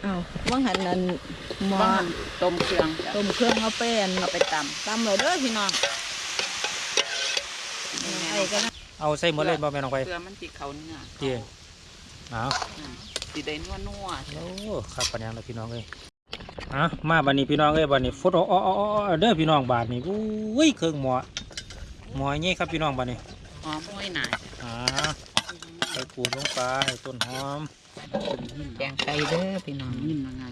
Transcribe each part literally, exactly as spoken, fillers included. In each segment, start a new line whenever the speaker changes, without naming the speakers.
อ้าวว่างหันนั่นหมอ
ต้มเครื่อง
ต้มเครื่องเอาเป็น
เอาไปตำ
ตำเลยเด้อพี่น้องไอ้กัน
เอาใส่หมดเลยบ่แม่น้องไป
เกลือมันติเขาเนื้อ
เตี้ยเอา
ติได้นัวนัว
โอ้ครับปัญญาเลยพี่น้องเลยอ่ะมาบัดนี้พี่น้องเอ้ยบัดนี้ฟุตอ๋ออ๋อเด้อพี่น้องบาดนี้อุ้ยเครื่องหมอหมอเงี้ยครับพี่น้องบาดนี้
หอมห้วยหนา
อ่าใส่ปูลงไปต้นหอม
แกงไก่เด้อพี่น้องนิ่มง่าย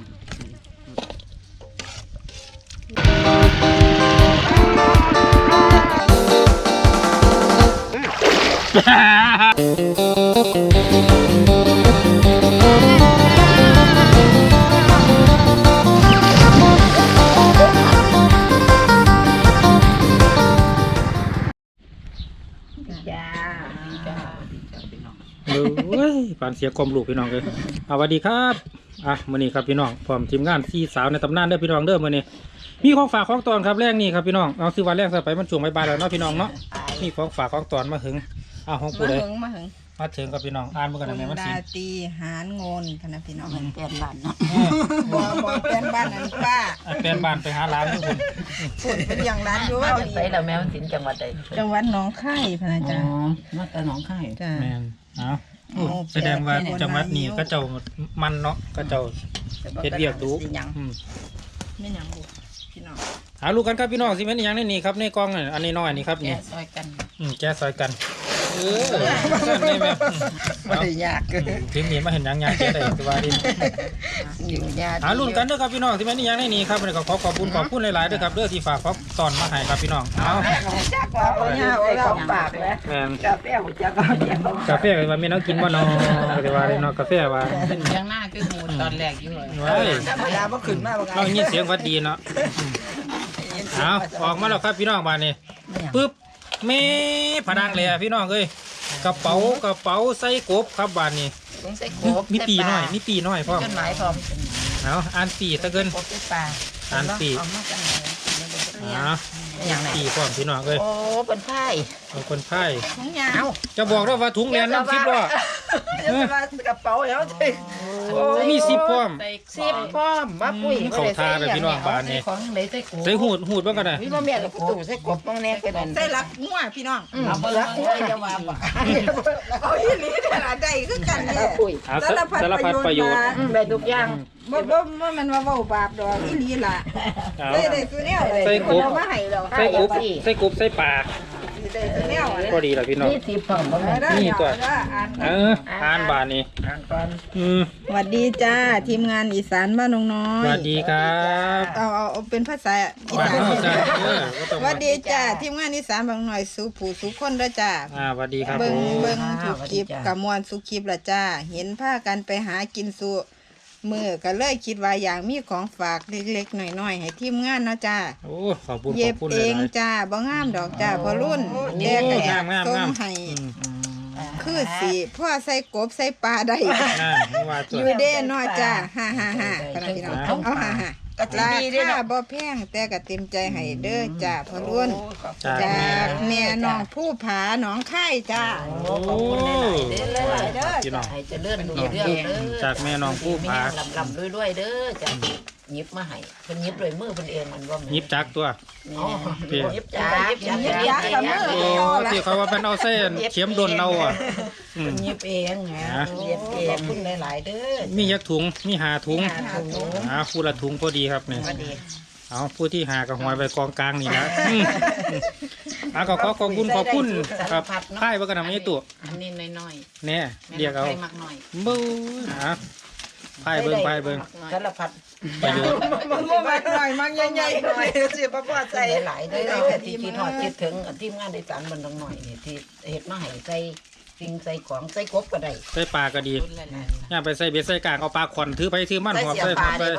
จ้า
จ้า
เอ้ยปานเสียกลมลูกพี่น้องเลยสวัสดีครับอ่ะมื้อนี้ครับพี่น้องพร้อมทีมงานสี่สาวในตำนานเด้อพี่น้องเด้อมื้อนี้มีของฝากของตอนครับแรกนี่ครับพี่น้องเอาซื้อวันแรกซะไปมันช่วงบ่ายๆแล้วเนาะพี่น้องเนาะมีของฝากของตอนมาถึงเอาของปูเลย
มาถึง
มาถึงกับพี่น้องอ่านมากันได้ไหมมันสิ
ดาตีหานงนคณะพี่น้อง
เหมือนแปลนบ้านเนาะ
บ่บ่แปลนบ้านนั่นป้า
แปลนบ้านไปหาร้านทุกคน
พูดเป็นอย่างร้านอยู่
ใส่แล้วแมวสินจังหวัดใด
จังหวัดหนองคายพะนะจ๊ะ
มาแต่หนองคาย
จ้า
แม่นเอาแสดงว่าจังหวัดนี้ก็เจ้ามันเนาะก็เจ้าเฮ็ดเวียกดูอืม
ไม่หยังบุพี่น้อง
หาลูกกันครับพี่น้องสิแม่นอีหยังในนี่ครับในกล่องนี่อันนี้น้อยนี่ครับนี่
แกะซอยกัน
อืมแกะซอยกันเออซั่นได้แม่
บ่ได้ยาก
ถึงนี่มาเห็นหยังยากแกได้สบายดี
อยู่ยาก
หาลุ้นกันเด้อครับพี่น้องสิแม่นอีหยังในนี่ครับก็ขอขอบคุณขอบคุณหลายๆเด้อครับเด้อที่ฝากของตอนมาให้ครับพี่น้องเอา
จักว่าเอายาเอาของฝากแล้ว
แม่น
กาแฟบ่จักเอาแจก
กาแฟว่าแม่น้องกินบ่เนาะแต่ว่าเนาะกาแฟว่า
เป็นเสียงหน้าคือหมูตอนแรกอยู่เลย
เว้ย
เวลาบ่ขึ้นมาบ่
เรายินเสียงวัดดีเนาะเอาออกมาแล้วครับพี่น้องบ้านนี้ปึ๊บเมผนังเลยพี่น้องเอ้ยกระเป๋ากระเป๋าใส่กบครับบ้านนี้มีปีน้อยมีปีน้อยพ่อ
จดหมายพร้อม
เอาอ่านปีตะเกินอ่านปีอ๋อปีพร้อมพี่น้องเอ้ย
โอ้เป็นไพ่
เป็นไพ่
ถุงยาว
จะบอกว่าถุงเรียนน้ำซิปว่
กระเป๋าแล้ว
มีซิปพร้อม
ซิปพร้อมมาปุ้ย
เขาทาเลยพี่น้องบ้านนี้
ของไหนใส่กบ
ใส่หูดหูดบ้างกันนะ
พี่พ่อแม่เราตู่ใส่กบต้องแน่กัน
ใส่รักงัวพี่น้อง
เอาไปรักงัวจะว่าบ่
เอาอีหลีแต่ละได้คือกันเนี่ย
สารพัดประโยชน์
ได้ทุกอย่าง
บ่บ่บ่มันว่าเว้าบาปดอกอีหลีล่ะได้ได้ตัวแนวเลย
ใส่กบ
มาให้เรา
ใส่กบใส่กบใส่ปลา
ได้ตัวแนว
ก็ดีแล้วพี่น้อง
นี่สิพร้อมบ่
นี่ตัวเอออ่านบ้านนี้
อ่านก่อน
อืม
สวัสดีจ้าทีมงานอีสานบ้านน้องน้อย
สวัสดีครับ
เอาเอาเป็นภาษาอีสานสวัสดีจ้าทีมงานอีสานบางหน่อยสู่ผู้สู่คนเด้อจ้า
อ่าสวัสดีครับ
เบิ่งเบิ่งทุกคลิปกับมวลสุคลิปละจ้าเห็นพากันไปหากินสู่มือก็เลยคิดว่าอย่างมีของฝากเล็กๆหน่อยๆให้ทีมงานเนาะจ้า
โอ้ขอบคุณข
อบ
คุณ
เองจ้าบ่งามดอกจ้าพอรุ่นแก่ก็อยากส่งให้คือสิพ่อใส่กบใส่ปลาได้อยู่เด้เนาะจ้าฮ่าฮ่าฮ่าพี่น้องเอาฮ่าฮ่าราคาบ่แพงแต่ก็เต็มใจให้เด้อจ้าพอรุ่นจากแม่น้องผู้ผาหนองคายจ้า
ขอบคุณหลายๆเด้อ
พี่น้องให้เจริญรุ่งเรืองเด้อ
จากแม่น้องผู้ผา
ลำๆรวยๆเด้อจ้าหยิบมาให้เพิ่นหยิบด้วยมือเพิ่นเองมันบ่
หยิบจักตัว
หยิบจักหยิบจักหยิบจักกับมือ
โอ้ที่เขาว่าเป็นเอาเส้นเข็มโดนเอาอ่ะ
หยิบเองไงหยิบเองขอบคุณหลายๆเด้อ
มียักถุงมีหาถุงอ่าคู่ละถุงพอดีครับนี่เอาผู้ที่หากับหอยไปกองกลางนี่นะอ่าก็ขอขอบคุณขอบคุณครับไพ่ว่ากันทำไม่ตัว
อันนี้น้อย
ๆเนี่ยเรียกเอาบู๊อ่ะไพ่เบิ้งไพ่เบิ้ง
สารพัด
ประโยชน์
มันมากหน่อยมากใหญ่ๆหน่อยเสียป้าป้าใจ
หลายได้ที่ที่ทอดคิดถึงทีมงานในสารบันดังหน่อยนี่ที่เห็ดมาให้ใส่สิ่งใส่ของใส่กบก็ได้
ใส่ปลาก็ดีย่าไปใส่เบ็ดใส่กางเอาปลาขวัญถือไปถือมันหอบใส่หอบไป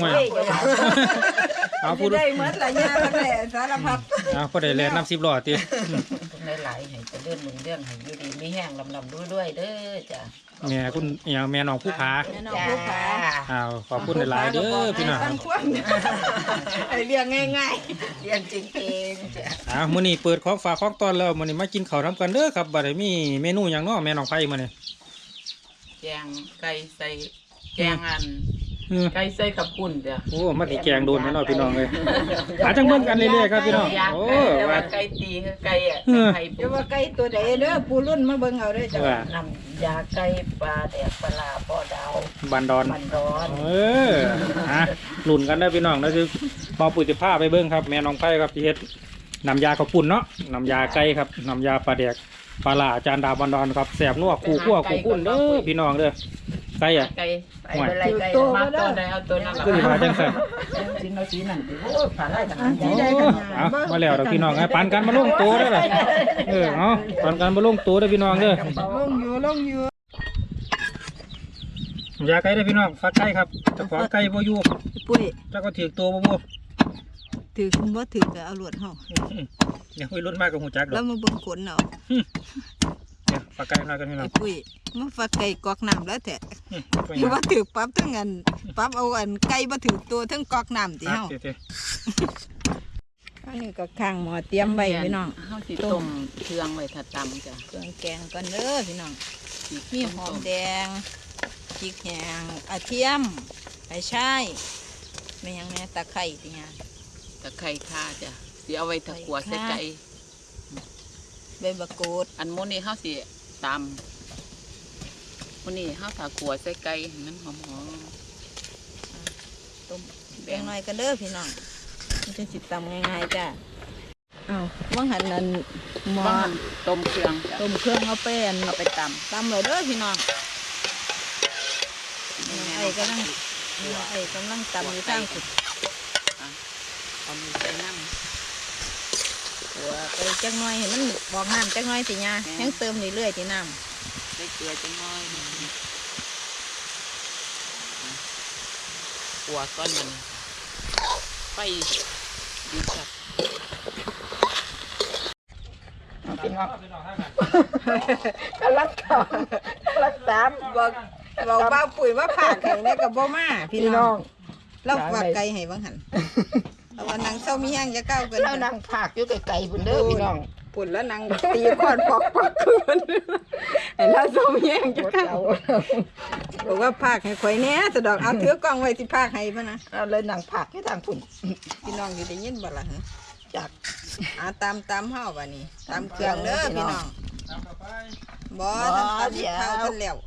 เอาพูดได้เหมือนหลายอย่างเลยสารพัด
เอาพอได้แล่น้ำซิบหลอดตี
หลายๆให้จะเลื่อนมึงเรื่องให้อยู่ดีไม่แห้งลำลำด้วยด้วยเด้อจ้ะ
แม่คุณอย่างแม่น้องผู้ผา
แม่น้องผู้ผา
อ้าวขอบคุณหลายๆเด้อพี่น้อง
เรียงง่ายๆ
เรียงจริงเองจ้ะ
อ้าวมื้อนี้เปิดของฝากของตอนแล้วมื้อนี้มากินข้าวทำกันเด้อครับบัดนี้มีเมนูอย่างน้อแม่น้องไผ่มื้อนี้
แกงไก่ใส่แกงอัน
เออ
ไก่ใส่กับปุ่นเด้อ
โอ้มาติแกงโดนแน่นอนพี่น้องเลยหาจังเบิ่งกันเรื่อยๆครับพี่น้อง
ยาก
โอ้
แต่ว่า
ว่า
ไก่ตีคือไก่อ่ะไก่
เดี๋ยวว่าไก่ตัวใดเด้อปูรุ่นมาเบิ่งเอาเด้อจ้ะ
ว่า
น้ำยาไก่ปลาแดกปลาปอดาว
บันดอน
มันร้อน
เออฮะหลุนกันได้อพี่น้องแล้วจะเบาปุ๋ยจะผ้าไปเบิ้งครับแม่น้องไผ่ครับที่เฮ็ดน้ำยาข้าวปุ้นเนาะน้ำยาไก่ครับน้ำยาปลาแดกปลาหล่าอาจารย์ดาวบันดอนครับแสบนัวคู่ขั้วคู่คุ้นเด้อพี่น้องเด้อไก่อะ
ไก่ไก่อะไรไก่มาตัวใดเอาตัวนั้น
ก็สิมาจังซั่น
ชิ้นเอาชิ้นนั่นโอ้ผ่านได้ขนาด
โอ้
นี้
เอามาแล้วเด้อพี่น้องไอ้ปันกันมาลงตัวได้อล่ะเออเอาปันกันมาลงตัวได้อพี่น้องเด้อ
ลงอยู่ลงอยู่
น้ำยาไก่ได้อพี่น้องฟักไก่ครับเจ้าของไก่บ่อยู่
ปุ้ย
เจ้าก็ถือตัวบ่บ่
ถือคุณบ่ถือก็เอาหลวดเฮา
เดี๋ยวคุยรุ่นมากกับหูจักดอ
แล้
ก
วมาเบิ่งขนเอา
เดี๋ยวฟักไก่หน่อยกันพี่น้อ
ไอ้
ง
ปุ้ยมาฝากไก่กอกน้ำแล้วแท้
อืมไป
หรือว่าถือปั๊บทั้งอันปั๊บเอาอันไก่บ่ถือตัวทั้งกอกน้ำติเฮา
เดี๋ยว
อันนี้ก็ข้างหม้อเตรียมไว้พี่น้อง
เฮาสิต้มเครื่องไว้ถ้าตำจ้ะ
เครื่องแกงก่อนเด้อพี่น้องมีหอมแดงพริกแห้งกระเทียมไปช่ายไม่ยังแม่ตะไคร้ติหยัง
ตะไคร้ข่าจ้ะสิเอาไว้ถ้าขัวใส่ไก่
ใบมะกรูด
อันมื้อนี้เฮาสิตำมื้อนี้เฮาถ้าขัวใส่ไก่ให้มันหอม
ต้มแกงหน่อยกันเด้อพี่น้องมันจะสิตำง่ายๆจ้ะเอาว่างหันนั่นห
ๆ
ม้อ
บ้านต้มเครื่องจ้ะ
ต้มเครื่องเอาไปอัน
เอาไปตำ
ตำเลยเด้อพี่น้อง
แม่
ไอ้กำลังไอ้กำลังตำอยู่ทางสุด
เอามือใส่น้ำ
หัวไปจักหน่อยเห็นมันบอกน้ำจักหน่อยติยายังเติมเรื่อยๆติน้
ใส่เกลือจังน้อยขัวก้อนมันไปดีจัด
ำพี่น้องกำลังต่อกำลังตามบอกบอกบ้าปุ๋ยว่าผ่าไข่ในกับบ่มาพี่น้องเราฝากไก่ให้บ้างหันเอาวันนังเศร้ามีแห้งจะเก้ากัน
เรานั่งผักอยู่ไกลๆพุ่นเด้อพี่น้อง
ปุ่นแล้วนังตีคอนปอกปอกคืนเห็นแล้วเศร้ามีแห้งจะเก้าบอกว่าผากให้ข่อยเนี้ยสะดอกเอาถือกล้องไว้ที่ผากให้พะนะ
เอาเลยนั่งผักให้ทางพุ่น
พี่น้องอยู่ได้ยินบ่ล่ะฮะ
จัก
อ่าตามตามเฮาบ่นี่ตามเครื่องเด้อพี่น้องบ่ท่านตามเท้าท่านแล้ว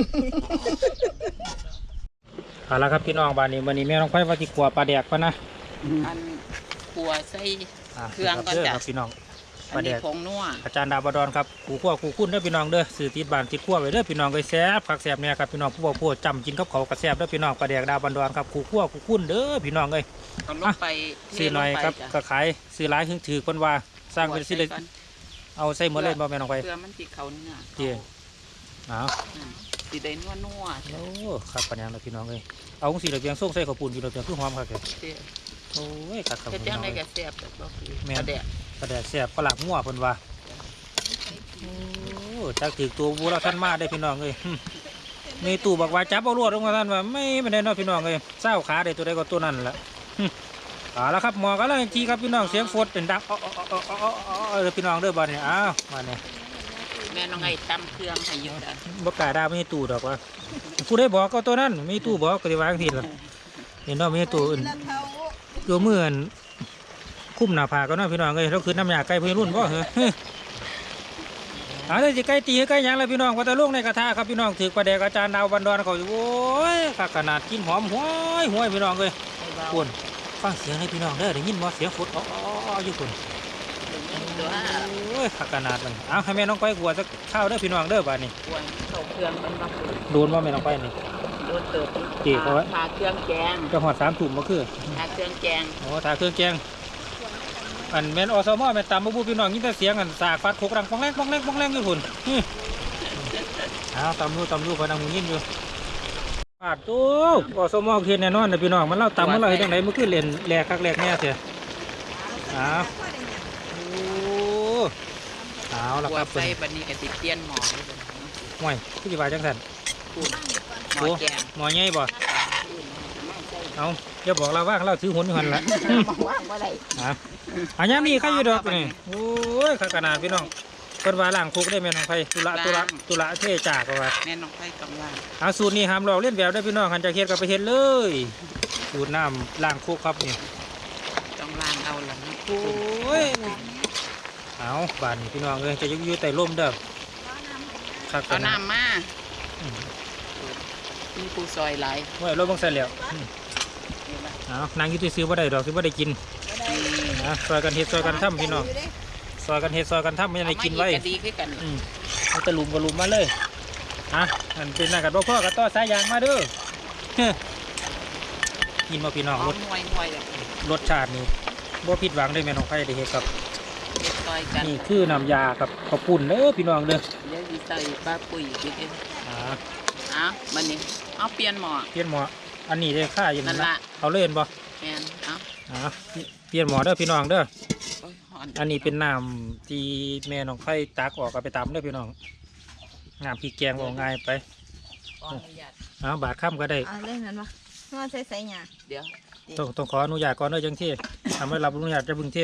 เอาละครับพี่น้องบ้านนี้วันนี้แม่น้องไผ่ว่าที่ขัวปลาแดกปะนะ
อันขัวใส่
อ่า
เครื่องก่อนจ้ะ
ครับพี่น้องป
อั
ลาน แด
นี้
ก
ผงนัว
อาจารย์ดาวบดอนครับขู่ขั้วขู่คุ้นเด้อพี่น้องเด้อสื่อติดบ้านติดขั้วไว้เด้อพี่น้องก็แซ่บผักแซ่บเนี่ยครับพี่น้องผู้บอกผู้จำกินกับเขาวกระแซ่บเด้อพี่น้องปลาแดกดาวบดอนครับขู่ขั้วขู่คุ้นเด้อพี่น้องเอ้ย
เอาลงไปเท
ซื้อหน่อย
ลงไป
ครับ
จ้ะ
ก็ขายซื้อหลายถึงถือคนว่าสร้างเป็นสิเลย
ขัวใก่อน
เอาใส่หมดเลยบ่แม่น้องไผ่
เพื่อมันสิเขาเนื้อ
เตี้ยเอา
อืมสิได้นัวนัวๆ
โอ้ครับปัญญาเราพี่น้องเอ้ยเอาของสีเหลืองเพียงส่งใส่ข้าวปุ้นกินเราเพียงคือหอมครับแก
เด้อ
โอ้ยครับครับ
เฮ็ด
พี่
จั
น้
ง
อง
ได๋
เอ้ย
ก็แซ่บแบบบ่คือ
แม่น
ปลาแดก
ปลาแดกแซ่บฝรั่งมั่วเพิ่นว่าโอ้จักถือตัวบูเราท่านมาได้พี่น้องเอ้ยหึมีตู่บอกว่าจับเอาลวดลงมาท่านว่าไม่ไม่ได้เนอพี่น้องเอ้ยเศร้าขาได้ตัวใดก็ตัวนั้นแหละหึเอาละครับหมอกันแล้วทีครับพี่น้องเสียงฝนเป็นดังอ้ออ้ออ้ออ้ออ้ออ้อเออพี่น้องเด้อบ้านนี้อ้าวบ้านนี้
แม่น้องไอ้ตำเครื่องให้อยู่จ้ะ
บ่กล้าด่าไม่ให้ตู่ดอกว่าผู้ได้บอกก็ตัวนั้นไม่ให้ตู่บอกก็สิวางทีละเห็นเนาะไม่ให้ตู่อื่นตัวมืออันคุ้มหน้าผากก็เนาะพี่น้องเอ้ยเราคือน้ำยาไก่เพื่อนรุ่นบ่เหรอฮึเอาเลยสิไก่ตีไก่หยังเลยพี่น้องว่าแต่ลูกในกระทะครับพี่น้องถือประเดกอาจารย์ดาวบันดอนเขาอยู่โอ้ยขขนาดกินหอมห้วยห้วยพี่น้องเลยปุ่นฟังเสียงเลยพี่น้องเด้อได้ยินบ่เสียงฝนอ๋ออยู่ปุ่น
ตัว
โอ้ยขนาดมันเอาให้แม่น้องไปกลัวสักข้าวเด้อพี่น้องเด้อบ้านนี้
กวนเข้าเครื่องมันมาคือ
โดนว่าแม่น้องไปนี่
โดนเติบ
จีเขาไว้
ทาเครื่องแกง
จะหอดสามถุ่มมาคือ
ทาเครื่องแกง
โอ้ถ่ายเครื่องแกงอันแม่นอสมอแม่นตามบูบูพี่น้องยินแต่เสียงอันสากฟัดโคกรังปองแรงปองแรงปองแรงอยู่พุ่นฮึเอาตำรูตำรูพนังหูยินอยู่ปาดตู้อสมอเขียนแน่นอนนะพี่น้องมันเล่าตำมันเล่าให้จังไหนมันคือเล่นแหลกคักแหลกแน่เถอะเอาโอ้เอาละ
ขัว
ครับเพิ่
ใส่
น
บัดนี้ก็สิเปลี่ยนหม้อเลยจ้ะ
ห่วยผู้จิบายจังสัน
คุณหม้อ
โอ้
แกง
หมอใหญ่บ่เอาอย่าบอกเราว่างเราถือหุ่นอยู่หันละ
ว่างบ่ได้
อ่ะอันนี้มีใครอยู่ดอกนี่โอ้ยขนาดพี่น้องเพิ่นว่าล้างคุกได้แม่น้องไผตุละตุละตุละเทจากว่า
แม่น้องไผ่กำลัง
เอาสูตรนี้ห้ามลอกเล่นแบบได้พี่น้องหันจะเฮ็ดก็ไปเฮ็ดเลยสูตรน้ำล้างคุกครับนี่
ต้องล้างเอาละนะ
โอ้ยเอาบานนี่พี่น้องเอ้ยจะอยู่อยู่ใต้ร่มเด้อครับ
เอาน้ำมามีปูซอยหลาย
ไว้รถบังใส่แล้วอืมเอานางอยุติซื้อบ่ได้ดอกซื้อบ่ได้กินนะซอยกันเฮ็ดซอยกันทำพี่น้องซอยกันเฮ็ดซอยกันทำไม่ได้กินไว้
เอามาอีกก็ดีขึ้นกัน
อืมเอาตะลุมกระลุมมาเลยอ่ะอันเป็นหน้ากันบ่พ่อกับต่อสายยางมาเด้อเฮ้อกินมาพี่น้อง
หอ
ร
ม
ส
ห่วยห่วยแบบ
รสชาตินี่บ่ผิดหวังได้แม่น้องไผได้เฮ็ดครับ
เด็ดซอยกัน
นี่คือน้ำยากับข้าวปุ้นเด้อพี่น้องเด้อ
เดี๋ยวดีใส่ปลาปุ๋ยอีกที
อ่า
อ่ะมันนี่เอาเปลี่ยนหม้อ
เปลี่ยนหม้ออันนี้ได้ค่าอยู่
นั่นล่ะ
เอาเล่นบ่
แม่นเอา
อ่าเปลี่ยนหม้อเด้อพี่น้องเด้อ
โอ้ยหอน
อันนี้เป็นน้ำที่แม่น้องไผตักออกก็ไปตำเด้อพี่น้องน้ำพริกแกงบ่ง่ายไป
ขออนุญาต
เอาบาดค่ำก็ได้
เอาเล่นนั้นวะนวดใส่ใส่หยา
เดี๋ยว
ต้องต้องขออนุญาตก่อนเด้อจังที่ทำให้รับอนุญาตจะบึงที่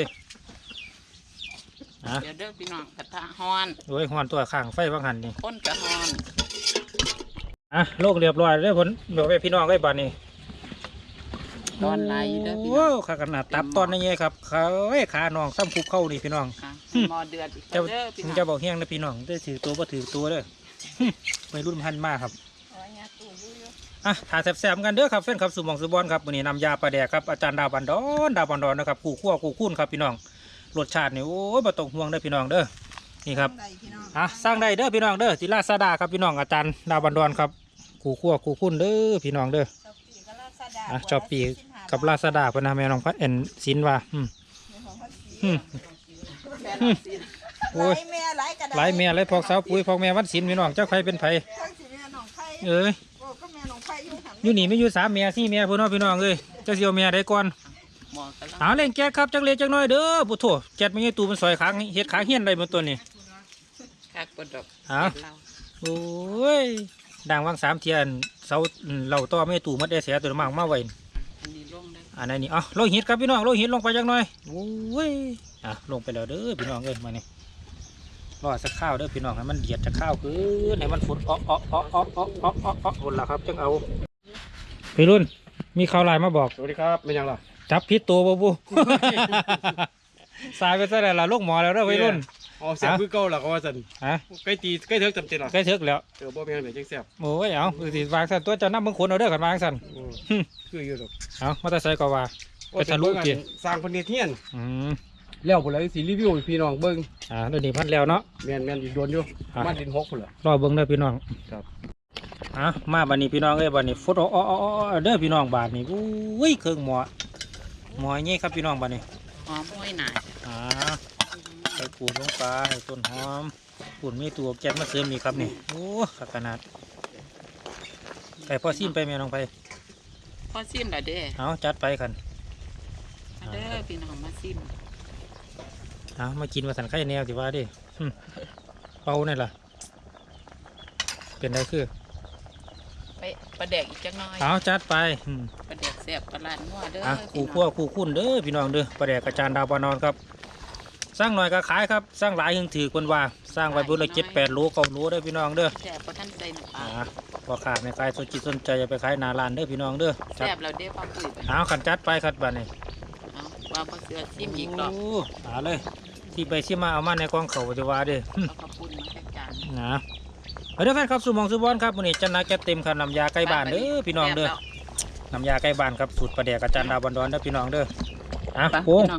อ่ะ
เดี๋ยวเด้อพี่น้องกระทะฮอน
โดยหอนตัวข้างไฟบางหันนี่
ข้นกระฮอน
อ่ะโลกเรียบร้อยเลยผลบอกไปพี่น้องไว้บ้านนี้
ตอนไหลเด้อพี่น้
โอ้
อง
ขาขนาดตับตอนนี้ครับเขาเอ้ยขาน้องซ้ำคุกเข้านี่พี่น้อง
อ่ะหม้อเดือดอีก
เจ้า
เด้อพี่น้อง
เจ้าบอกเฮี้ยงนะพี่น้องได้ถือตัวบ่ถือตัวเด้อ ไม่รุ่นพันมากครับ
เอาหยาตู้อยู่อยู่
อ่ะถ่ายแซ่บๆกันเด้อครับแฟนครับสุหมองสุบอนครับวันนี้นำยาปลาแดกครับอาจารย์ดาวบันดอนดาวบันดอนนะครับกูคั่วกูคุ้นครับพี่น้องรสชาตินี่โอ้ยบ่ต้องห่วงเด้อพี่น้องเด้อนี่ครับ
ได้พี่น้อง
อ่ะสร้างได้เด้อพี่น้องเด้อศิลาซาดาครับพี่น้องอาจารย์ดาวบันดอนครับกูคั่วกูคุ้นเด้อพี่น้องเด้อ
ชอบปีกับลาซาด้า
อ่ะชอบปีกับลาซาดาพนาแม่น้องพัดเอ็นสินว่าอืมอืม
แม่น้องสิ
โอ้ย
หลายแม่หลายกระดาษ
หลายแม่หลายพอกสาวปุ๋ยพอกแม่วัดสินพี่น้องเจ้าใครเป็นไผ
ทั้งสิแม่น้องไผ่
เอ้ย
โอ้ก็แม่น้องไผ่อยู่หัน
อยู่นี่ไม่อยู่สามแม่สี่แม่พี่น้องพี่น้องเอ้ยเจ้าเสียวแม่ได้ก่อน
หม้อกระลัง
เอาเล่นแก๊สครับจักเล็กจักน้อยเด้อปุถุแก๊สไม่ใช่ตูมันซอยขางเฮ็ดขาเฮี้ยนได้บนตัวนี้
คักกระดก
เอา
เรา
โอ้ยดังวังสามเทียนเสาเหล่าต่อไม่ตูมัดได้เสียตัวมากมาไว้
อันนี้ลงได้
อันนี้นี่อ๋อโลหิตครับพี่น้องโลหิตลงไปจักหน่อยโอ้ยอ่ะลงไปแล้วเด้อพี่น้องเอ้ยมานี่รอสักข้าวเด้อพี่น้องให้มันเดียดจะข้าวขึ้นให้มันฝุดอ๊อกอ๊อกอ๊อกอ๊อกอ๊อกอ๊อกอ๊อกอ๊อกหมดแล้วครับจังเอาพี่รุ่นมีข่าวไลน์มาบอก
สวัสดีครับเป็นยังล่ะ
จับพิษตัวบ่บุ สายไปซะแล้วล่ะลูกหมอแล้วเด้อพี่รุ่น
อ๋อเสียบคือเก่าหล่ะก็ว่าสัน
ฮะ
ใกล้ตีใกล้เถิกจำเจนหรอ
ใกล้ถึกแล้ว
เออบ่เป็นยังไงจังเสียบ
โอ้ยเอาสิวางสั่นตัวเจ้าน้ำมึงขนเอาเด้อกันวางสั่น
อืมคืออยู่ดอก
เอามาแต่ใส่ก็ว่าไปทะลุกี่
สร้างคนเนเทียน
อืม
แล้วพุ่นละสิรีวิวให้พี่น้องเบิ่ง
อ่าเดี๋ยวนี้พันแล้วเนาะ
แม่นแม่นอีกโดนอยู่
อ่ะ
มาดินหกพุ่นละ
รอเบิ่งเด้อพี่น้อง
ครับ
อ่ะมาบัดนี้พี่น้องเอ้ยบัดนี้ฟุตอ๋ออ๋ออ๋อเด้อพี่น้องบาดนี้อุ้ยเครื่องหมอหมอนี่ครับพี่น้องบัดนี้
หอมห้อยหน่าย
อ่าใส่ปูนลงไปต้นหอมปูนมีตัวแก๊สมาเสริมนี่ครับนี่โอ้ขักขนาดไก่พ่อซิมไปแม่น้องไป
พอซิมแล้วเด้อ
เอาจัดไปกัน
มาเด้อพี่น้องมาซิม
เอามากินมาสันไข่แนวสิว่าดิหึเป่านี่ล่ะเป็นไรคือ
ไปประแดกอีกจักหน่อย
เอาจัดไปหึ
ประแดกแซ่บประหลาดงัวเด้อ
อ่ะ
พี่
คู่
น้
ขั้ว
อง
คู่คุ้นเด้อพี่น้องเด้อประแดกกระจานดาวปานอนครับ สร้างหน่อยก็ขายครับ สร้างหลายยังถือคนว่า สร้างไว้บุญละเจ็ดแปดโลเก้าโลเด้อพี่น้องเด้อ
แซ่บเพราะท่านใส่น้ำปลา
อ่าพอขาดในกายสนจิตสนใจจะไปขายหนาลานเด้อพี่น้องเด้อจัด
แซ่บแล้วเด้อพ่อปุ๋ยไป
เอาขันจัดไปครับบัดนี้
เอาว่าบ่เสือซิมอีกรอบ
โเอาเลย ที่ไปที่มาเอามาในกองเขาจะว่าเด้อหึ
เอาข้าวปุ้นมาแค่จาน
นะเอาเด้อแฟนครับสุหมองสุบอนครับวันนี้จันนาแกเต็มครับน้ำยาไก่บ้านเด้อพี่น้องเด้อ
แซ่บ
น้ำยาไก่บ้านครับสูตรประเดียกอาจารย์ดาวบันดอนเด้อพี่น้องเด้ออ่ะ
แล้ว
โอ้
พี่น้อง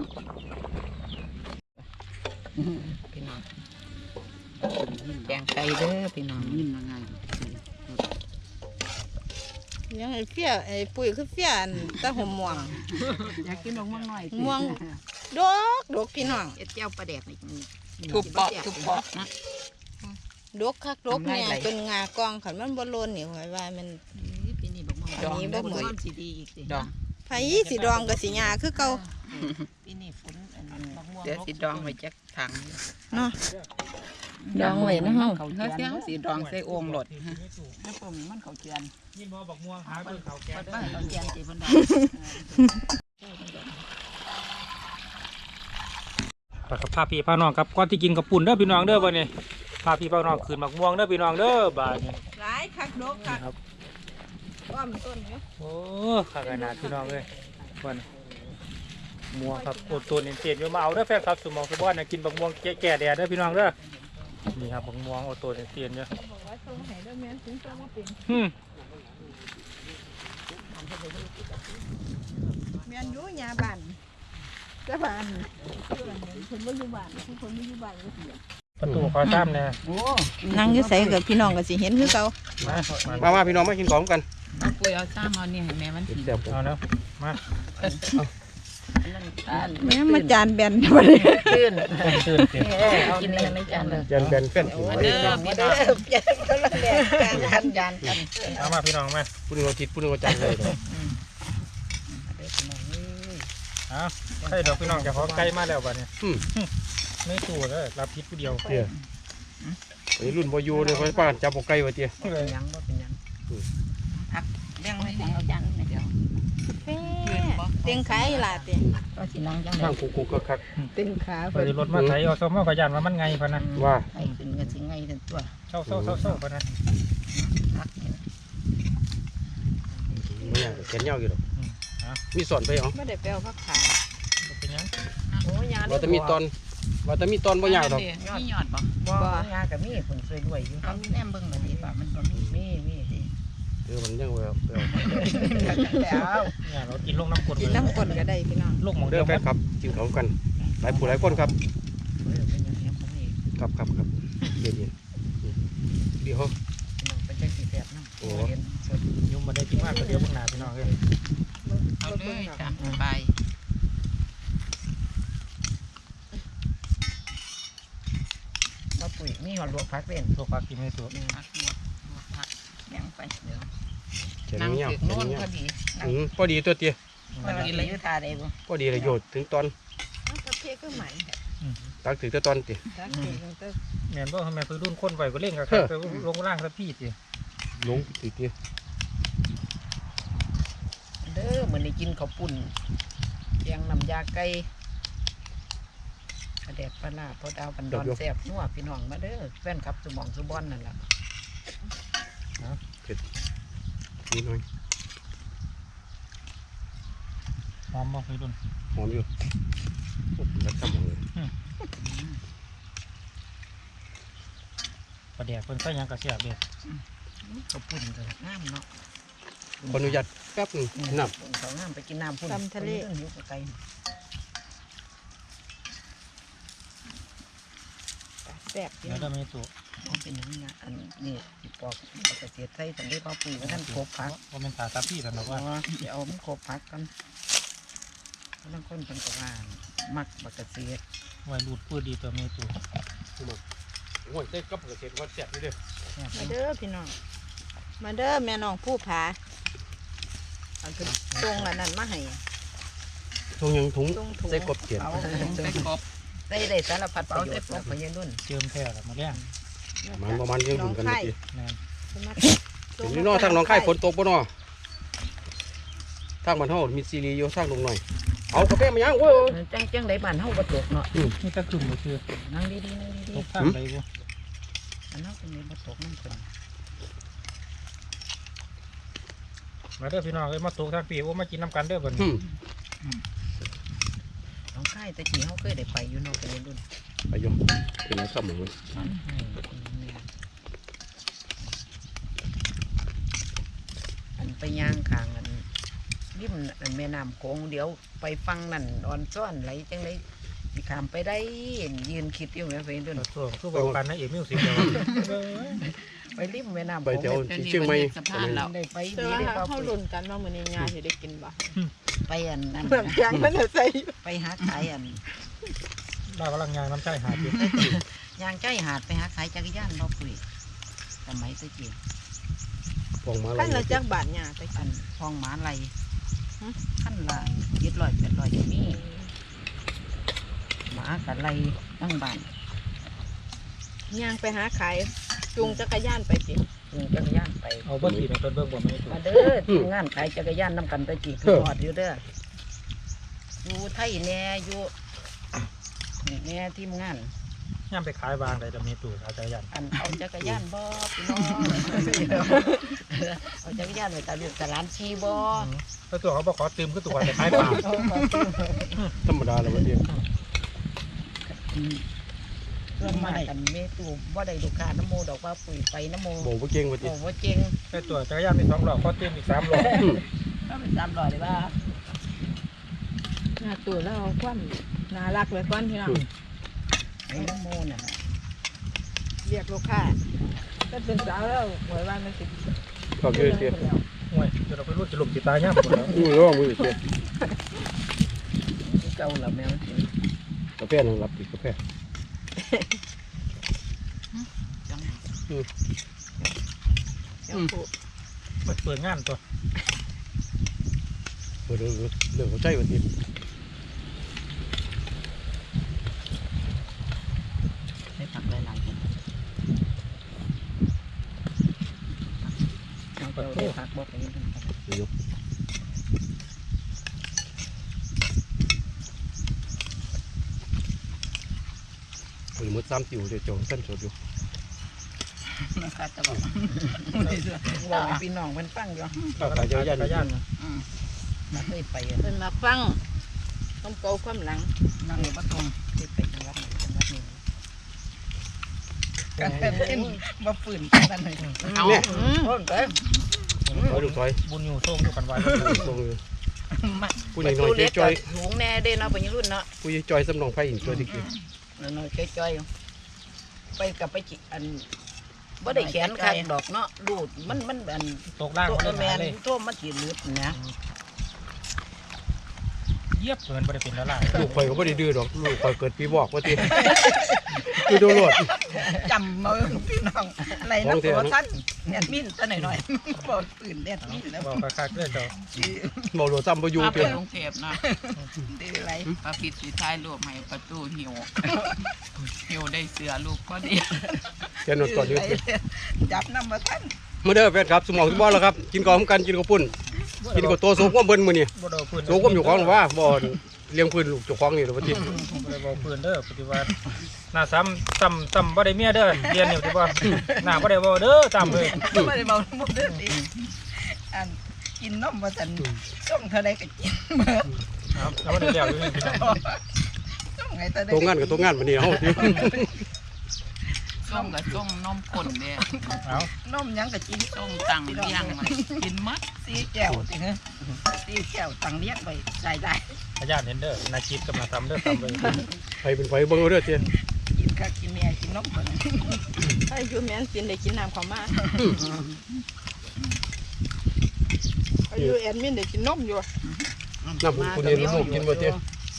พี่น้องแกงไก่เด้อพี่น้องยินว่าไง
ยังไอ้เฟี้ยไอ้ปุ๋ยคือเฟี้ยอันตะหมม่วง
อยากกินดอกม่วงหน่อย
ม่วงดกดกพี่น้อง
เอ็ดเจ้าปลาแดกนี่ทุบเปาะทุบเปาะนะ
ดกคักดกเนี่ย
ทำไมไหล
จนงากองขันมันบ่โลนนี่หอยว่ามัน
ปีนี้บอกม่วง
อันนี้บ่เหมือน
สีดีอีกสิดอง
ไผสิดองกับสิหยาคือเก่า
ปีนี้ฝนเดี๋ยวสีดองไว้จักถัง
เนาะดองไว้นะเฮา
เขาเสียสีดองใส่โอ่งหลดแล้วผมมันเขาเจียน
ยินบอบอกม่วงหาเบิ่งเขาแก
เปิดบ้านเขาเจียนสิเพิ่นดอง
อไปกับพาพี่พาน้องครับก่อนที่กินกับปุ่นเด้อพี่น้องเด้อวันนี้พาพี่พาน้องคืนหมักม่วงเด้อพี่น้องเด้อบาดนี้
หลายคักดกคัก
ครับ
อ้อมต้นอยู่
โอ้ข้าขนาดพี่น้องเลยวันม่วงครับโอดตัวเนียนๆอยู่มาเอาเด้อแฟนครับสมองสมบัตินะกินบักม่วงแก่ๆแดดเด้อพี่น้องเด้อนี่ครับบักม่วงโอดตัวเนียนๆอยู่
บอกว่าส่งให้เด้อแม่นถึงส่งมาเป็น
อืม
แม่นอยู่ยาบ้านแต่บ้านเพิ่นบ่อยู่บ้านผู้คนบ่อยู่บ้านก็เสีย
ประตูขอซ้ำเนี่ย
โอ้
นั่งอยู่ไสกับพี่น้องก็สิเห็นคือเก่า
มา
มามาพี่น้องมากินของกัน
เอาปุยเอาซ้ำเอาเนี่ยให้แม่มันกิน
แซ่บ
เอาเนาะมา
แม่มาจานแบนบ่ได้
ตื่น
ตื่นตื่น
เออเอากินเลยไม่จานเลย
เจนเป็นแฟนกิน
เด้อพี่น้องจานจานกัน
เอามาพี่น้องมา
ผู้นึงเอาจิตผู้นึงเอาจันเลย
เอาใช่ดอกพี่น้องจะขอไก่มาแล้วบัดนี้
อืม
ไม่ตู่เลยรับพิษผู้เดียว
เตี้ยไอ้รุ่นบ่อยู่เนี่ยเขาป้านจับบ่ไก่ว่าเตี้ย
เป็นยังบ่เป็นยังพักเลี้ยงไว้ให้เอาจานเดี๋ยว
เตียงขายล่ะติ
ก็สินั่งจัง
ข้างคุกๆคัก
เตียงขา
ไปรถมาไถเอาซ้อมเอาขยันว่ามันไงพะนะ
ๆว่า
ให้ขึ้นกันสิไงกันตัว
เศร้าเศร้าเศร้าเศร้าพะนะ
พักนี่
ไม่ยากแขนยาวอยู่ดอก
อืมเอา
มีสอนไปเหรอ
บ่ได้ไปเอาผักขา
บ่เป็นหยัง
โอ้ยา
ว่าแต่มีตอนว่าแต่มีตอนบ่ยากดอก
มีหยอดบ่
บ่ยากับมีผลสวยด้วยอยู่
เอาแนมเบิ่งบ่ดีป่ะมันบ่มี
มีมีสิ
เออมันยังว่าเออ
แล้ว
เนี่ยเรากินลงน้ำกรด
กินน้ำกลนก็ได้พี่น้อง
ลูกหมอง
เด้
เดีย
อ
ว
แฟนครับกินของกันหลายผู้หลายคนครับ
เออเป็นยังไงผมนี่
ครับครับครับเย็นๆเดี๋ยว
น้องไปจักสิแซ่บนำโอ้เห็นสด
ยุ่งมาได้กินมากก็เดี๋ยวพวกหนาพี่น้องเลย
เอาเลยจ้ะไป
บ่ปุ๋ยมีหอดลวกผักเป็น
ตัวปลากินไม่ตัว
พักลวกลวกพักแบ่งไปเดี๋ยว
แขน
นั่ง
ยาว
ถึก
แข
โน่
น
น
ยา
พ
ว
อดี
อืมพอดีตัวเตี้ย
มันกินเลยอยู่ท่าใดบ่
พอดีเลยโยดถึงตอน
กาแฟก็ใหม่
ตักถึงแต่ตอนเตี้ย
ตักเองตั้ง
แม่นบ่ทำไมเพิ่นรุ่นคนไหวก็เล่นกับไปลงล่างสักพี่สิ
ลงติเตี้ย
เด้อมื้อนี้กินข้าวปุ้นแกงน้ำยาไก่กระแดกปลาร้าพอดาวบันดอนแซ่บนัวพี่น้องมาเด้อแฟนคลับสมองสุบอนนั่นล่ะ
นี่หน่อย
หอมบ่พี่รุ่น
หอมอยู่โอ้แล้วทำหมดเลย
ปลาแดกเพิ่นใส่หยังกระเสียบเด้
ข้าวปุ้นก็งามเนาะ
ขออนุญาตแป๊บหนึงน้ำ
เขางามไปกินน้ำพุ่นอยู่ไกล
แซ่บพี่
แล้
น้
ว
อง
ก็มีตัว
มันเป็นอย่างนี้นะอันนี้ที่ปอกเกษตรไทยสันได้พ่อปุ๋ยท่านโคบพัก
บ่แม่นตาตาพี่กันดอก
ว่า
ว่า
เดี๋ยวเอามันโคบพักกันแล้วคนเป็นกว่ามักบักเกษตร
ไว้รูดปื้ดดีตัวมีตัว
โอ้ยใส่กับเกษตรวัดแซ่บอยู่เด้อ
มาเด้อพี่น้องมาเด้อแม่น้องผู้ผาเอาขึ้นตรงอันนั้นมาให้
ถุงยังถุง
ตรงถุง
ใส่กบเขียน
เอา
ใส่กบ
ได้ได้สารพัดประโยชน์พยานุ่น
เจิมแท้ละมาแล้ง
มันประมาณยังถุงกันเมื่อกี้
แม่น
เห็นนี่เนอทางหน้องไข่ฝนตกบ่เนอทางบ้านเฮามีซีรีส์อยู่ทางตรงหน่อยเอากาแฟมายังโว้ย
จังจังได้บ้านเฮาบ่ตกเนาะ
นี่ตะกึ่มบ่คือ
นั่งดีๆนั่งดี
ตกข้างไปบ่
ๆอันนั้นเป็นบ่ตกนั่นเพิ่น
มาเด้อพี่น้องเอ้ยมาตกทางพี่โอ้มากินน้ำกันเด้อบัด
อื
นี้
ม
น้องไข่ตะกี้เฮาเคยได้ไปอยู่เนาะพยานุ่น
ไปอยู่เป็นไรครับหมู
อันไปย่างข้างอันริมอันแม่น้ำโขงเดี๋ยวไปฟังนั่นอ่อนซ้อนไหลจังไดสิข้ามไปได้ยืนคิดอยู่แม่เพิ่นเด้อ
ตัวคือบอกกันนะเอกมิวสิกเด้อ
ไปริมแม่น้ำ
ไป
โขง
แถวเชียงใหม่
สะพานแล้ว
ได้ไป
แต่
ดี
ว่า
ได้บ่
เขาลุ้นกันว่ามื้อนี้ยาสิได้กินบ่
ไปอันนั้น
เมืองแกงมันจะใส่
ไปหาขายอัน
เรากำลังยางน้ำใจหาอยู่
ยางใจหาดไปหาขายจักรยานบ่ปุ๋ยสมัยตะกี้
ฟองมาอะไร
ขั้นละจักบาทยาแต่
อั
กัน
นทองหมาไหลขั้นละเจ็ดร้อยแปดร้อยจะมีหมากับไหลตั้งบ้าน
ย่างไปหาขายจูงจักรยานไปสิ
จูงจักรยานไป
เอาบ่สีในต้นเบิ่งบ่ไม่ถูก
มาเด้อทำงานขายจักรยานนำกันตะกี้คือหอดอยู่เด้ออยู่ไทยแน่อยู่นี่แม่ทีมงาน
ย่ำไปขายวางได้จะมีตู้เอาใจยัน
อันเอาจักรยานบ่พี่น้องเอาจักรยานไปตาลูกตาหลานชีบ่
แล้วตัวเขาบอกขอตืมก็ตัวไปขายปลา
ธรรมดาแล้ววันนี้
เพื่อนมากันเมตูบ่ได้ลูกค้าน้ำโมดอกว่าปุ๋ยไปน้ำโม
โบบ่เก่งวันนี้
โอ้ว่าเจ๋ง
แต่ตัวจักรยานมีสองหลอกขอตืมอีกสามหลอก
ก็เป็นสามร้อยเลยว่า
หน้าตัวแล้วเอาความน่ารักไว้ก่อนพี่น้อง
ไอ้น้ำโมน่ะ
เรียกลูกค้าก็เป็นสาวแล้วหวยว่ามันสิ
ขอบคุณเตี้ย
ห่วยจะเราไปรุ่นจะหลบจิตตายย่ำหมดแล้ว
อู้ร้องมือเตี้ย
เก่าละแมว
กาแฟนึงรับอีกกาแฟ
จัง
เปิดเปิดงานตัว
เรื่องเรื่องหัวใจวันนี้
ได้ผักหลายๆคนเอาไปได้ผักบ่ไปยังไง
ยกหรือมดซ้ำติวเดี๋ยวจงสั้นสดอยู่
นะคะจะบอกว่าพี่น้องมันฟังอยู่
ข้าวขายจักรยาน
จักรยาน
มาเคยไป
เพิ่นมาฟังความเก่าความหลัง
นั่งอยู่บ้านตรงเคยไปจังหวัดไหนจังหวัดนี้กันเป็นมาฝืนกันเลยเอา
เนี่ย
เพิ่มเติม
ถอยลูกถอย
บุญอยู่โซ่งอยู่กันไว้
ตรงเลย
มา
ผู้ใหญ่น้อยจอย
ถุงแน่เด้เนาะเป็นรุ่นเนาะ
ผู้ใหญ่จอยสำนองไผ่หินตัวที่คือ
น้อยๆจ้อยๆไปกับไปจิอันบ่ได้แขนขาดดอกเนาะดูดมันมันอัน
ตกล่าง
ตัว
ไม่
แม
ได้
น
เลย
ตัวมันสิลึดนะ
เยียบเกินไปเป็นแล้วล่ะ
ลูกข่อยก็ไม่ได้ดื้อดอกลูกข่อยเกิดปีบอกว่าตีคือโดนโหลด
จำมือพี่น้องอะไรนะตัวสั้นเน็ตมินซะหน่อยๆบ่ปืนเน็ตมินแล้ว
บอกคักๆเลยเจ้า
เมาโหลดซ้ำประยู
มา
เปลี่
เป็
ย
น
น
กรุงเทพนะ
ดื้ออะไร
ประพิษสีท้ายรูปให้ประตูหิวหิวได้เสือลูกก็ดี
เปลี่ยนหนวดก่อนยืด
จับน้ำมาท่าน
มาเด้อแฟนครับสมองทุกบ้านแล้วครับกินก่อนกันกินกับปุ่นกินกับตัวโซ่ก้มเบิ้ลมือนี่
บ่ได้พื้น
โซ่ก้มอยู่ของหรือว่าบ่เลี้ยงพื้นลูกเจ้าของนี่หรือว่าที
บ่ได้บอกพื้นเด้อปฏิวัติหน้าซ้ำซ้ำซ้ำบ่ได้เมียเด้อเรียนอยู่ที่บ่หน้าบ่ได้บ่เด้อซ้ำเลย
ไม่ได้เมาหมดเด้อดิอันกินนมมาสันต้องเท่าไรก็กินเบิด
ครับแล้วบ่ได้แล้วอยู่นี่พี่น้อง
ต้องไงแต่ได้
ตัวงานกับตัวงานมันนี่เฮา
ส้มกับส้มนมข้นเนี่ย
เอา
นมยังก็กิน
ส้มตังเลี้ยงมันกินมัด
สีแก้วสิฮะสีแก้วตังเลี้ยงไปใส่ได้
อาจารย์เห็นเด้อนาคิดกับนาซ้ำเด้อซ้ำเลย
ไฟเป็นไฟเบิ่งเอาเด้อเตี้ย
กินข้าวกินเมียกินนมก่อน
ถ้าอยู่แม่นสินได้กินน้ำข้าวมาอายุแอดมินได้กินนมอยู่
น้ำคุณนี่ลูกกินบ่เตี้ย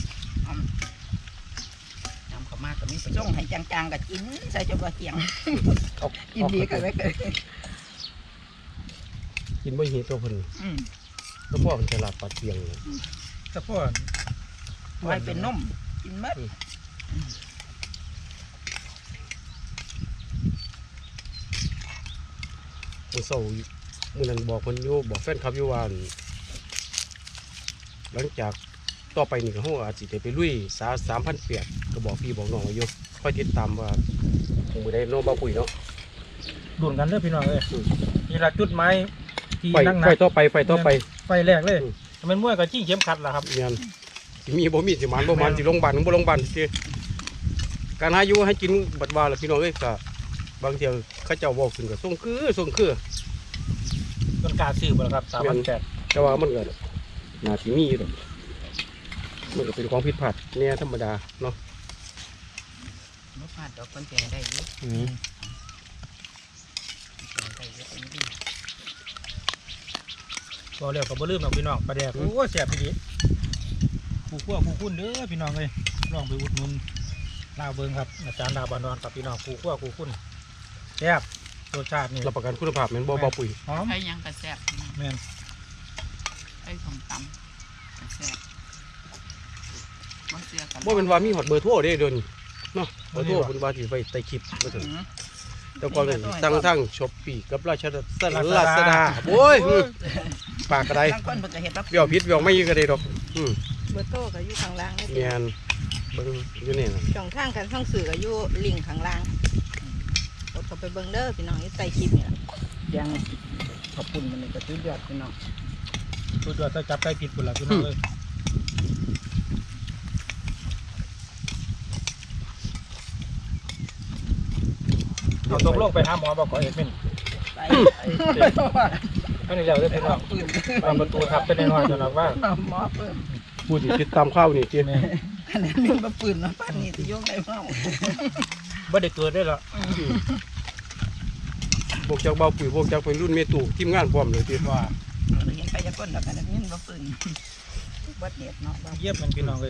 ทำข้าวมากก็มีประโยชน์ให้จางๆก็กินใส่จนว่าเกียงกินดีกันไว้เกิด
กินบ่หิวตัวเพิ่น
อืม
แล้วพ่อมันฉลาดปัดเปียง
แต่พวก
ไว้เป็นนมกินมัด
มื้อเช้ามื้อนั้นบอกเพิ่นอยู่บอกแฟนคลับอยู่ว่าหลังจากต่อไปนี่ก็เฮาอาจสิได้ไปลุยสาสามพันแปดก็บอกพี่บอกน้องไว้อยู่ค่อยติดตามว่ามื้อใดโนบ่ปุ๋ยเนาะ
ดุนกันเด้อพี่น้องเอ้ยนี่ละจุดไม้ที่
ไฟ
นั่ง
ไฟ
นัก
ต่อไปไฟต่อไป
ไฟแรกเลยมันมวยกับจิ้งเข็มขัดล่ะครับ
เมียนสิมีบ่มีสิหมานบ่หมานสิโรงพยาบาลบ่โรงพยาบาลสิการหาอยู่ให้กินบัดว่าล่ะพี่น้องเอ้ยก็บางเที่ยเขาเจ้าเว้าขึ้นก็ส่งคือส่งคือ
ต้นกล้าซื้อบ่ล่ะครับสามพันแปด
แต่ว่ามันก็น่าสิมีอยู่ดอกมันก็เป็นของผิดพลาดแน่ธรรมดาเนาะ
บ่พลาดดอกคนแก่ได้อยู่
อืม
ได้อยู่เป็นดี
ก็เรียกกับบ่ลืมหรอกพี่น้องปลาแดกโอ้แซ่บพี่ดิผู้คั่วผู้คุ้นเด้อพี่น้องเอ้ยลองไปอุดหนุนลาวเบิงครับอาจารย์ดาวบานอนกับพี่น้องผู้คั่วผู้คุ้นแซ่บรสชาตินี่
รับประกันคุณภาพแม่นบ่บ่ปุ๋ย
หอม
ให้ยังกระแซบ
แม่น
ให้สมตำกระแซบบ่เสือกัน
บ่เป็นว่ามีฮอดเบอร์โทรเด้เดี๋ยวนี้เนาะเบอร์โทรเพิ่นว่าสิไว้ใต้คลิปว่าซั่นแต่ก่อนนี่ตั้งทั้ง Shopee กับราชดาลาซาดาโอ้ยปากกระได
บางคนเพิ่นก็เฮ็ดรับ
เบี้ยวผิดเบี้ยวไม่ก็ได้ดอกอืม
เบอร์โต้ก็อยู่ข้างล่างนี่
เมียนเบิ่งอยู่นี่นะ
ช่องทางการส่องสื่อก็อยู่ลิงก์ข้างล่างกดเข้าไปเบิ่งเด้อพี่น้องอยู่ใต้คลิปนี่ล่ะ
ยังขอบคุณมันเลยก็สุดยอดพี่น้อง
ตัวตัวจะจับใกล้ผิดหมดแล้วพี่น้องเลยเอาตกลงไปหาหมอบอกขอเอ็ดมิน
ไป
อันนี้แล้วเด้อพี่น้องตามประตูทับไปในน้อยจนเราว่า
หมอเพิ่ม
ผู้ที่ติดตามข่าวนี่เจ้
ขนาดนี้มาปืนมาปานนี้สิยกได้เมา
บ่ได้เกิดได้หรอ
พวกจากเบาปุ๋ยพวกจากเป็นรุ่นเมตุทีมงานพร้อมเลยเจ้
ว่า
เห็นใครจะก้นแล้วขนาดนี้มาปืนวัดเด็ดเนาะบ้าง
เยี่ยมมันพี่น้องเลย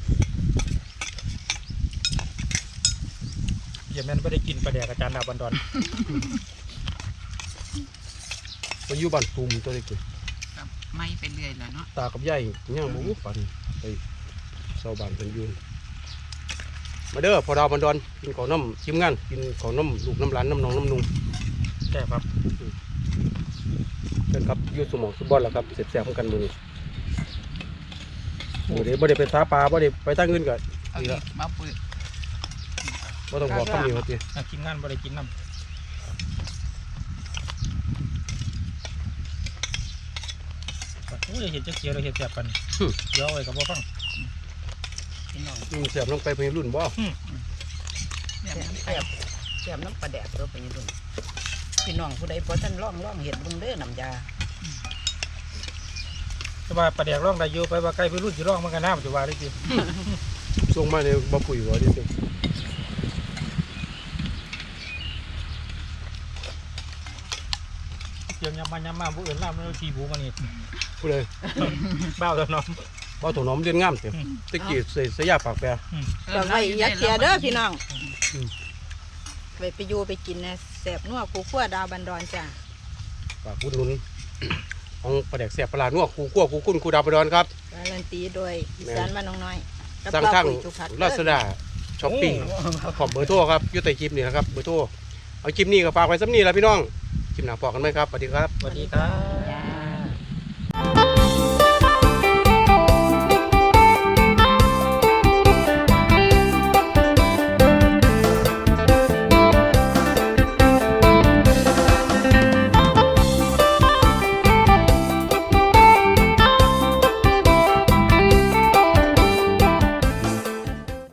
เยี่ยมแม่นไม่ได้กินปลาแดกอาจารย์ดาวบันดอน
ไปอยู่บ้านตูมตัวเล็ก
กับไม่ไปเรื่อยแล้วเนาะ
ตากับยายย่างบ่ฝันไปเซาบ้านเป็นอยืนมาเด้อพอดาวบันดอนกินข้าวน้ำทีมงานกินข้าวน้ำลูกน้ำหลานน้ำนองน้ำนุ่ง
แค่ครับ
เชิญครับอยู่สมองสุบอลแล้วครับเสร็จแซ่บกันมื้อนี้โอ้เดี๋ยวบ่ได้ไปสาปลาบ่ได้ไปตั้งเงินก็
เอา
นี่
อี
ละ
กมาปืน
บ่ต้องบอกคำนี้ว่าติ
อ่ะกินงานบ่ได้กินน้ำโอ้ยเห็นจะเขียวเลยเห็นแสบปันเดี๋ยวเอาไว้กับบ่ฟัง
พี่น้อง
อืมแซ่บลงไปเพิ่นรุ่นบ่
เนี่ยมัน
แซ่บแซ่บน้ำปลาแดดตัวไปนี่ดูพี่น้องผู้ใดพอท่านร่องร่องเห็ดเบิ่งเด้อน้ำยา
แต่ว่าปลาแดกร่องได้อยู่ไปว่าใกล้ไปรุ่นสิร่องมันก็น้ำจะว่าได้จริง
ส่งมาในบ่ปุ๋ยว่าดิเจ้
เสียงยำมายำมาผู้อื่นล่ามแล้วทีบูมันนี่
ผู้ใด
เบ้าแล้วน้อง
บ่ถนอมเรียนงามเด้ตะกี้ใส่สยาปากแปร
ก็ไว้อยักเทียเด้อพี่น้องไปไปอยู่ไปกินนะแซ่บนัวกูขั้วดาวบันดอนจ้า
ฝากอุดหนุนของปลาแดกแซ่บปลาร้านัวครูคั่วครูคุ้นครูดาวประดอนครับ
การันตีโดยอีสานบ้านน้องน้อยกับ
สร้าง
เป้า
ทาง
ปุ๋ยจุพัด
ลาซาด้าช้อปปิ้งขอบเบอร์โทรครับอยู่ใต้คลิปนี่นะครับเบอร์โทรเอาคลิปนี้ก็ฝากไว้ซ้ำนี่แหละพี่น้องคลิปหน้าพอกันไหมครับสวัสดีครับ
สวัสดีครับ